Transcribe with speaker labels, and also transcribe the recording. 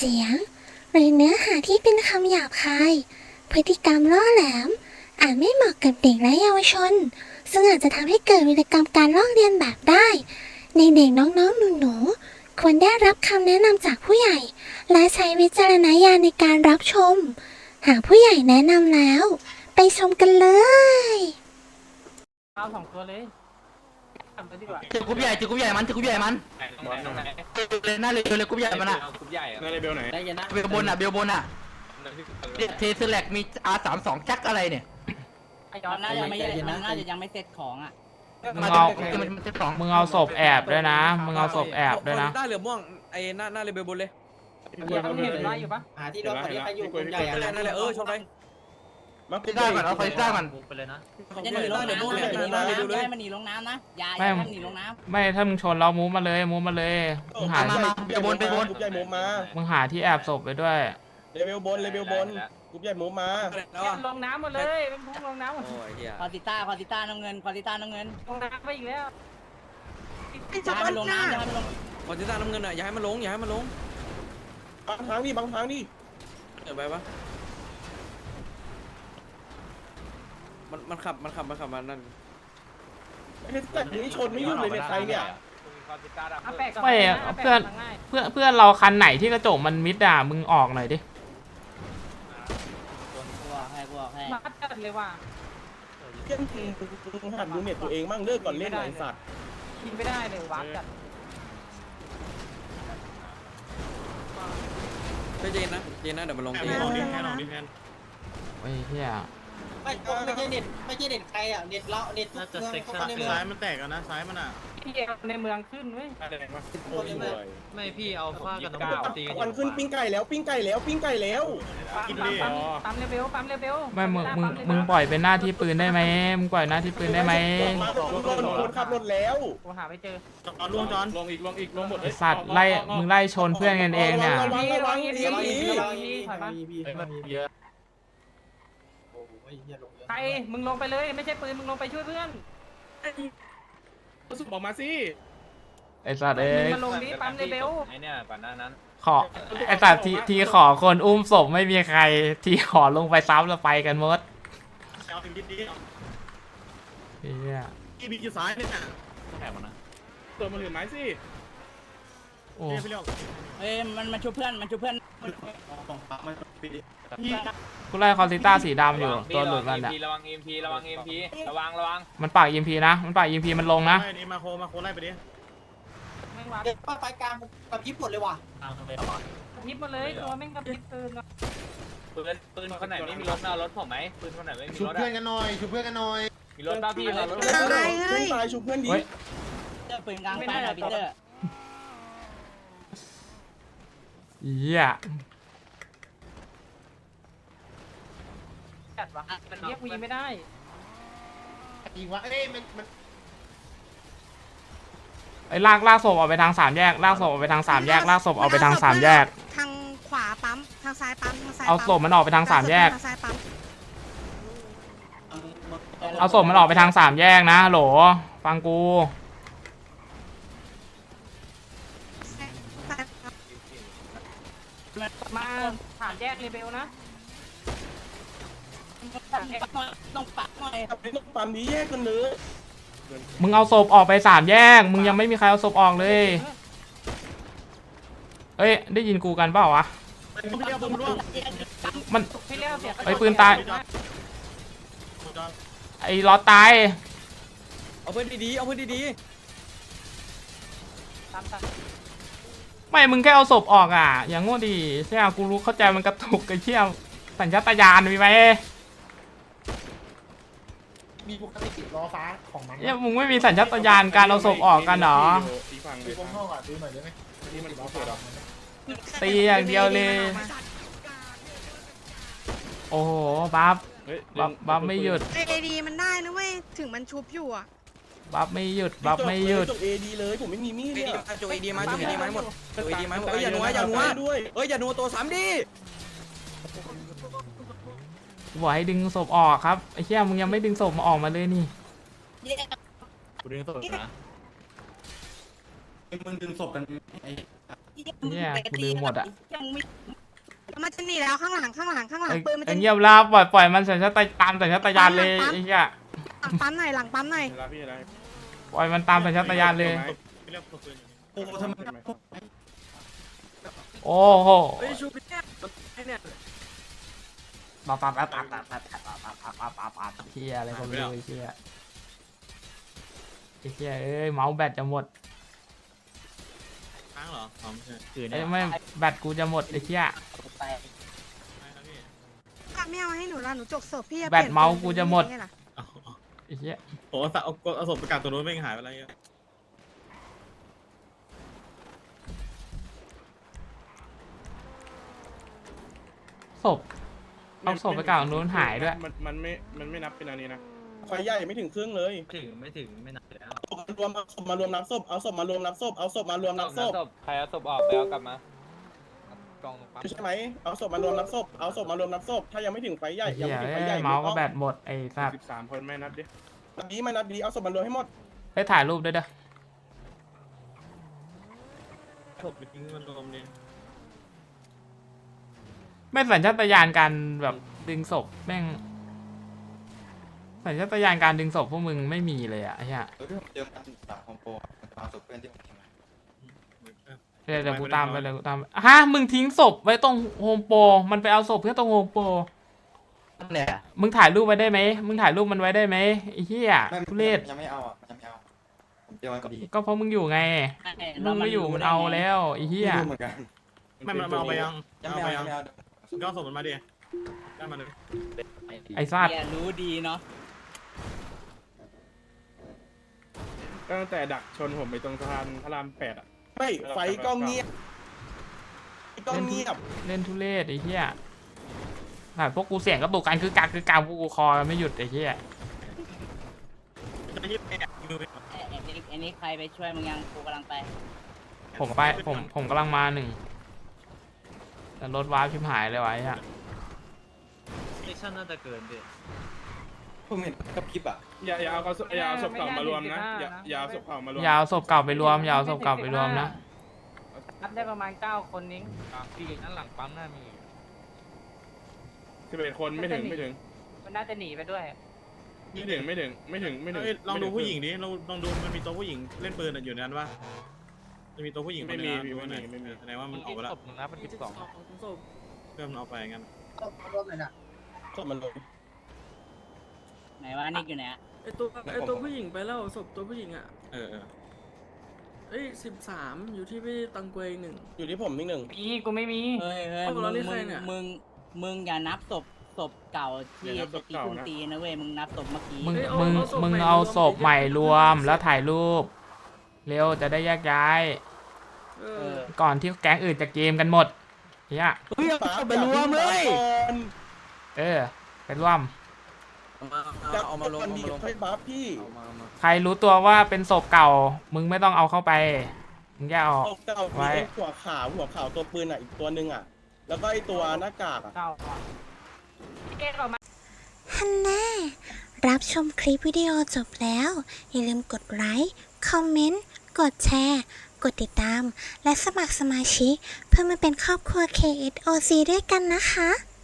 Speaker 1: สียงหรือเนื้อหาที่เป็นคำหยาบคายพฤติกรรมล่อแหลมอาจไม่เหมาะกับเด็กและเยาวชนซึ่งอาจจะทำให้เกิดวิกรรมการลอกเลียนแบบได้ในเด็กน้องๆหนูๆควรได้รับคำแนะนำจากผู้ใหญ่และใช้วิจารณญาณในการรับชมหากผู้ใหญ่แนะนำแล้วไปชมกันเลย
Speaker 2: เอา2 ตัวเลยทำไปดีกว่า
Speaker 3: เจอกรุ๊ปใหญ่มันเจอกรุ๊ปใหญ่มันเลยหน้าเลยกรุ๊ปใหญ่มันอ่ะ
Speaker 4: กรุ๊ปใหญ่
Speaker 5: ในเบลไหน
Speaker 3: เบลบนอ่ะเทสแลกมี R32 จักอะไรเนี่ย
Speaker 2: น่าจะยังไม่เสร็จของอ่ะ
Speaker 6: มึงเอาศพแอบด้วยนะมึงเอาศพแอบด้วยนะ
Speaker 4: ได้เหลือม่วงไอ้หน้าเลเบลบนเลย
Speaker 2: เห็นไล่อยู่ปะ
Speaker 5: หาที่รถคันนี้ใครอยู่คนใหญ่
Speaker 4: นั่นแหละชนไป
Speaker 3: มันไปได้ก่อนเอาไปได้ก่อน
Speaker 2: ไปเลยนะจะหนีลงน้ำได้มันหนีลงน้ำนะยายมันหนีลงน้ำ
Speaker 6: ไม่ถ้ามึงชนเรามูฟมาเลยมึงหา
Speaker 3: ไปบน
Speaker 6: มึงหาที่แอบศพไปด้วย
Speaker 5: เลเวลบนกรุ๊ปใหญ่มูฟมา
Speaker 2: ลงน้ำหมดเลยเป็นพุ่งลงน้ำควอติต้าน้ำเงินลงน้ำไปอีกแล้วอย่าให้มันลงน้ำ
Speaker 4: ควอติต้าน้ำเงินอ่ะอย่าให้มันลง
Speaker 5: บางทางดิ
Speaker 4: เดี๋ยวไปปะมันขับมานั่น
Speaker 5: ไอ้แต่นี้ชนไม่หยุดเลยเนี่ยใครเนี่ย
Speaker 6: ไม่เพื่อนเราคันไหนที่กระจกมันมิดอ่ะมึงออกหน่อยดิ
Speaker 2: มาจัดเลยว่ะ
Speaker 5: เพื่อนหัดดูเน็ตตัวเองมั่งเลิกก่อนเล่นไอ้สัตว์
Speaker 2: กินไม่ได้เลยวัดจัด
Speaker 4: เย็นนะเดี๋ยวมันลง
Speaker 5: แทน
Speaker 6: โอ้ยเฮีย
Speaker 7: ไม่ใช่เน็ตใครอ่ะเน็ตเราเน็ต
Speaker 5: น่าจะเซ็กซ์ซ้ายมันแตกแล้วนะซ้ายมันอ่ะ
Speaker 2: พี่ในเมืองขึ้นเว้ย
Speaker 4: ไม่พี่เอาผ้ากันน้ำตี
Speaker 5: มันขึ้นปิ้งไก่แล้วกินดิ
Speaker 2: ปั๊มเลเวล
Speaker 6: ไม่มึงปล่อยเป็นหน้าที่ปืนได้ไหมมึงปล่อยหน้าที่ปืนได้ไหม
Speaker 5: คนขับรถแล้ว
Speaker 2: กูหาไม่เจอ
Speaker 5: ลงอีกหมด
Speaker 6: ไอสัตว์ไล่มึงไล่ชนเพื่อนกันเองเนี่ย
Speaker 2: ใครมึงลงไปเลยไม่ใช่ปืนมึงลงไปช่วยเพื่อน
Speaker 5: สุดบอกมาสิ
Speaker 6: ไอสัตว์
Speaker 2: มันลงนี้ปั๊มเลเวล
Speaker 4: ไอเนี่ยก่อนหน้านั้น
Speaker 6: ขอไอสัตว์ทีขอคนอุ้มศพไม่มีใครทีขอลงไปซ้ำแล้วไปกันหมด
Speaker 5: เอาถึงดี
Speaker 6: พี่
Speaker 5: บีอยู่ซ้ายเนี่ยแอบนะตัวมันเหลือไม้สิ
Speaker 6: โอ้
Speaker 2: มันช่วยเพื่อน
Speaker 6: กูไล่คอนซิต้าสีดำอยู่ตัวหลุดมันอ่ะ
Speaker 4: ระวัง EMP ระวัง
Speaker 6: มันปาก EMP นะมันลงนะ
Speaker 5: นี่มาโคไล่ไปดิ
Speaker 7: เด็กไฟกลางกับยิบหมดเลยว่ะ
Speaker 2: ยิบมาเลยตัวแม่งกับยิบปื
Speaker 4: นคนไหนไม่มีรถเอารถผมไหมปืนคนไหนไม่มีรถ
Speaker 5: ชุบเพื่อนกันหน่อย
Speaker 4: มีรถบ้าพี่รถ
Speaker 5: ตายชุบเพื่อนดิ
Speaker 2: ปืนกลางไฟหน่อยพีเตอร์
Speaker 6: เหี้ย
Speaker 2: จัดวะมันเรียกวีไม่ได้
Speaker 5: จริงวะมัน
Speaker 6: ไอ้ลากศพออกไปทาง3 แยกลากศพออกไปทาง3 แยกท
Speaker 8: างขวาปั๊มทางซ้ายปั๊ม
Speaker 6: เอาศพมันออกไปทาง3 แยกเอาศพมันออกไปทาง3 แยกนะโหลฟังกู
Speaker 2: มาผ่านแยกเลเบลนะต้องปักหน่อย
Speaker 5: ต้องปั๊มนี้แยกกันเลย
Speaker 6: มึงเอาศพออกไป3 แยกมึงยังไม่มีใครเอาศพออกเลยเอ้ยได้ยินกูกันเปล่าวะมันไอ้ปืนตายไอ้ล้อตาย
Speaker 4: เอาเพื่อนดี
Speaker 6: ไม่มึงแค่เอาศพออกอ่ะอย่างโง่ดีใช่ไหมกูรู้เข้าใจมันกระตุกไอ้เชี่ยสัญชาตญาณมีไหม
Speaker 7: มีปกติล้อฟ้าของมัน
Speaker 6: เนี่ยมึงไม่มีสัญชาตญาณการเอาศพออกกันหรอ
Speaker 7: ดูตรงห้องอ่ะดูหน่อยได้ไหม
Speaker 5: ที่มันล้อเสือ
Speaker 6: ตีอย่างเดียวเลยโอ้โหบัฟไม่หยุด
Speaker 8: เอดีมันได้นะเว้ยถึงมันชุบอยู่อ่ะ
Speaker 6: บัฟไม่หยุดจ
Speaker 5: บเอดีเลยผมไม่มีมีดเนี่ย
Speaker 4: จบเอดีมาหมดอย่านัวด้วยอย่านัวตัว3ดิ
Speaker 6: บอกให้ดึงศพออกครับไอ้เชี่ยมึงยังไม่ดึงศพมาออกมาเลยนี่
Speaker 5: กูดึงศพนะมึงดึงศพกันไอ้
Speaker 6: เนี่ยกูลืมหมดอ่ะ
Speaker 8: มันจะหนีแล้วข้างหลังปืนมัน
Speaker 6: ไอ้
Speaker 8: จะหนี
Speaker 6: เงียบลาปล่อยมันสัญชาตญาณสัญชาตญาณเลยไอ้เหี้ย
Speaker 8: หลังปั๊มหน่อย
Speaker 5: เวลาพี่อะไร
Speaker 6: ปล่อยมันตามสัญชาตญาณเลย
Speaker 4: โอ้ทำไม
Speaker 6: โอ้โห
Speaker 4: เฮ้ยชูเนี่ยเนี่ย
Speaker 6: ปั๊บเหี้ยอะไรก็ไม่รู้ไอ้เหี้ยเอ้ยเมาส์แบตจะหมด
Speaker 4: ค้างเหรออ๋อไม่ใช่
Speaker 6: เอ้ยไม่แบตกูจะหมดไอ้เหี้ย
Speaker 8: ไม่เอาให้หนูละหนูจกศพพี่
Speaker 6: แบตเมาส์กูจะหมด ไอ้เหี้ย
Speaker 4: โอ้เอาศพประกาศตัวนู้นไม่หายไปอะไรเงี้ย
Speaker 6: ศพเอาศพไปกลางนู้นหายด้วย
Speaker 5: มันไม่นับเป็นอันนี้นะไฟใหญ่ไม่ถึงครึ่งเลย
Speaker 3: ไม่ถึงไม่นานแล้ว
Speaker 5: เอาศพมารวมนับศพเอาศพมารวมนับศพเอาศพมารวมนับศพ
Speaker 3: ใครเอาศพออกไปเอากลับมากองปั๊ม
Speaker 5: ใช่ไหมเอาศพมารวมนับศพเอาศพมารวมนับศพถ้ายังไม่ถึงไฟใหญ่
Speaker 6: ไอ้
Speaker 5: ยัง
Speaker 6: เหี้ย
Speaker 5: ไม่ถึงไฟ
Speaker 6: เอ้
Speaker 5: ใหญ่
Speaker 6: ยเมาส์ก็แบตหมดไอ้สัตว์
Speaker 5: 13 คนไม่นับดินับดีไม่นับดีเอาศพมารวมให้หมด
Speaker 6: ไปถ่ายรูปด้วยเด้อ
Speaker 4: ศพไปทิ้งมันรวมดิ
Speaker 6: ไม่สัญชาตญาณการแบบดึงศพแม่งสัญชาตญาณการดึงศพพวกมึงไม่มีเลยอะไอ้เหี้ย
Speaker 3: เจอกันแบบคอมโปเอาศพเพื่อนที่ผมทิ้ง
Speaker 6: เดี๋ยวกูตามไปฮะมึงทิ้งศพไว้ตรงโฮมโปรมันไปเอาศพเพื่อตรงโฮมโปร
Speaker 3: เนี่ย
Speaker 6: มึงถ่ายรูปไว้ได้ไหมมึงถ่ายรูปมันไว้ได้ไหมไอ้เหี้ยทุเรศ
Speaker 3: ยังไม่เอาอ่ะยังไม่เอาผมเจอมันก็ดี
Speaker 6: ก็เพราะมึงอยู่ไงมึงไม่อยู่มันเอาแล้วไอ้เหี้ย
Speaker 3: เหมือนกัน
Speaker 4: ไม่มันเอาไปยัง
Speaker 3: ยังไม่เอายังไม่เอา
Speaker 4: ก็ศพมันมาดิได้มาเลย
Speaker 6: ไอ้สัตว์
Speaker 2: รู้ดีเนาะ
Speaker 5: ตั้งแต่ดักชนผมไปตรงสะพานพระราม8อ่ะ
Speaker 4: ไม่ไฟก็เงียบก็เงียบ
Speaker 6: เล่นทุเรศไอ้เหี้ยถ่ายพวกกูเสียงกระตุกกันคือกลางพวกกูคอไม่หยุดไอ้เหี้ย
Speaker 2: ไอ้นี่ใครไปช่วยมึงยังกูกำลังไป
Speaker 6: ผมกำลังมาหนึ่งแต่รถวาร์ปชิบหายเลยไวะไอ้เหี้ย
Speaker 3: สเตชันน่าจะเกินดิผมเห็นกับคลิปอ่ะ
Speaker 5: อย่าเอาศพเก่ามารวมนะอย่าเอาศพเก่ามารวม
Speaker 6: อยาวศพเก่าไปรวมอยาวศพเก่าไปรวมนะ
Speaker 2: นับได้ประมาณ9คนนิ้ง
Speaker 3: พี่นั่นหลังปั๊มน่ามี
Speaker 5: 11 คนไม่ถึง
Speaker 2: มันน่าจะหนีไปด้วย
Speaker 4: ลองดูผู้หญิงดิลองดูมันมีตัวผู้หญิงเล่นปืนอยู่ในนั้นปะจะมีตัวผู้หญิงแสดงว่ามันออกไปแล้ว
Speaker 3: ศพหนึ่งนะเป็น12
Speaker 4: เริ่มเอาไปงั้น
Speaker 5: ศพมันลง
Speaker 2: ไหนว่านิกอยู่ไหน
Speaker 9: ไอตัวผู้หญิงไปแล้วศพตัวผู้หญิงอ่ะ
Speaker 4: เออ
Speaker 9: เอ้ย13อยู่ที่พี่ตังเกวงหนึ่ง
Speaker 5: อยู่ที่ผมนิดหนึ่ง
Speaker 2: กูไม่มีเฮ้ย
Speaker 9: เอาเราเรียกใครเนี่ย
Speaker 2: มึงอย่านับศพเก่าที่จะตีคุณตีนะเว้ยมึงนับศพเมื่อกี้
Speaker 6: มึงเอาศพใหม่รวมแล้วถ่ายรูปเร็วจะได้แยกย้าย
Speaker 9: เออ
Speaker 6: ก่อนที่แก๊งอื่นจะเกมกันหมดเฮีย
Speaker 5: ไปรวมเลย
Speaker 6: ไปร่วม
Speaker 4: เอามาลง
Speaker 5: ค่อยบัฟพี่
Speaker 6: ใครรู้ตัวว่าเป็นศพเก่า มึงไม่ต้องเอาเข้าไปมึงแยกออก
Speaker 5: เก่ามีหัวขาวตัวปืนอ่ะอีกตัวนึงอ่ะแล้วก็ไอตัวหน้ากากอ่ะ
Speaker 1: ฮันน่ารับชมคลิปวิดีโอจบแล้ว อย่าลืมกดไลค์ คอมเมนต์ กดแชร์ กดติดตาม และสมัครสมาชิกเพื่อมาเป็นครอบครัว KSOC ด้วยกันนะคะ